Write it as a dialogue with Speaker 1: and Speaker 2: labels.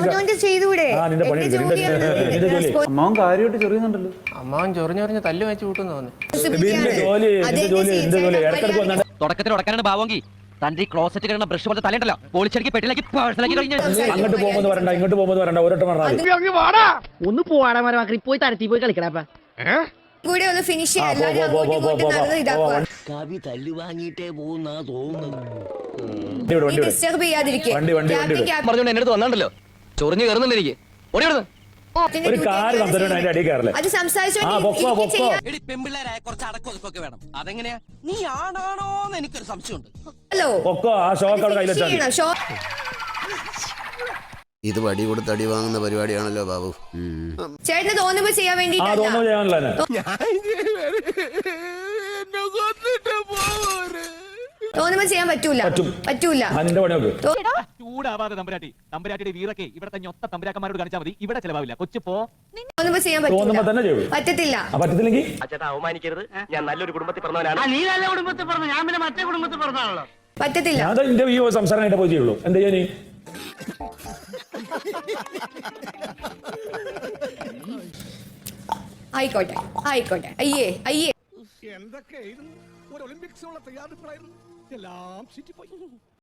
Speaker 1: ചെയ്തൂടെ?
Speaker 2: അമ്മാവൻ കാര്യമായിട്ട് ചെറിയുന്നുണ്ടല്ലോ.
Speaker 3: അമ്മാവൻ ചൊറിഞ്ഞൊറിഞ്ഞ് തല്ല് വെച്ച് കൂട്ടുന്നു
Speaker 4: തുടക്കത്തിൽ ഉടക്കാനാണ് ഭാവമെങ്കിൽ തന്റെ ഈ ക്ലോസറ്റ് കിടന്ന ബ്രഷ് പോലെ തലയുണ്ടല്ലോ പോളിച്ചടിക്ക് പെട്ടിലേക്ക് പേഴ്സണലാക്കി കഴിഞ്ഞു.
Speaker 5: അങ്ങോട്ട് പോകുമ്പോൾ വരണ്ട, ഇങ്ങോട്ട് പോകുമ്പോൾ വരണ്ട, ഒരൊറ്റ
Speaker 6: ഒന്ന് പോവാടാ മരമാക്കി പോയി തരത്തി പോയി കളിക്കടാ.
Speaker 1: കൂടെ ഒന്ന് ഫിനിഷ് ചെയ്യാം.
Speaker 7: കവി തല്ലു വാങ്ങിയിട്ടേ പോകുന്ന തോന്നുന്നു.
Speaker 1: ഡിസ്റ്റർബ് ചെയ്യാതിരിക്കുക.
Speaker 4: പറഞ്ഞോണ്ട് എന്റെ അടുത്ത് വന്നാണ്ടല്ലോ ചൊറിഞ്ഞു കയറുന്നുണ്ട് എനിക്ക്.
Speaker 5: ഒരു കാര്യം സംസാരിക്കണം, അതിന്റെ അടിയിൽ കയറല്ലേ.
Speaker 1: അത് സംസാരിച്ചു
Speaker 4: പെമ്പിള്ളേരായ കുറച്ച് അടക്കൊതുക്കൊക്കെ വേണം. അതെങ്ങനെയാ? നീ ആണാണോന്ന് എനിക്കൊരു സംശയമുണ്ട്.
Speaker 1: ഹലോ
Speaker 5: പൊക്കോ, ആ ഷോക്ക് അവിടെ കയ്യിലെത്താൻ.
Speaker 7: ഇത് വടി കൊടുത്ത് അടി വാങ്ങുന്ന പരിപാടിയാണല്ലോ ബാബു.
Speaker 1: ചേട്ടന് തോന്നുമ്പോ ചെയ്യാൻ വേണ്ടി തോന്നുമ്പോ ചെയ്യാൻ പറ്റൂല.
Speaker 4: ചൂടാവാതെ തമ്പുരാട്ടിയുടെ വീറൊക്കെ ഇവിടത്തെ ഞൊത്ത തമ്പുരാക്കന്മാരോട് കാണിച്ചാൽ മതി. ഇവിടെ ചെലവാവില്ല. കൊച്ചു പോ.
Speaker 1: തോന്നുമ്പോ ചെയ്യാൻ പറ്റത്തില്ല.
Speaker 4: അവമാനിക്കരുത്. ഞാൻ നല്ലൊരു കുടുംബത്തിൽ പറഞ്ഞവനാണ്.
Speaker 6: നീ നല്ല കുടുംബത്തിൽ പറഞ്ഞു, ഞാൻ പിന്നെ മറ്റേ കുടുംബത്തിൽ പറഞ്ഞാണല്ലോ.
Speaker 1: പറ്റത്തില്ല.
Speaker 5: എന്റെ ഈ സംസാരമായിട്ട് പോയി ചെയ്യുള്ളൂ. എന്താ ചെയ്യാൻ?
Speaker 1: ആയിക്കോട്ടെ. അയ്യേ
Speaker 8: എന്തൊക്കെയായിരുന്നു ഒരു ഒളിമ്പിക്സിനുള്ള തയ്യാറെടുപ്പായിരുന്നു. എല്ലാം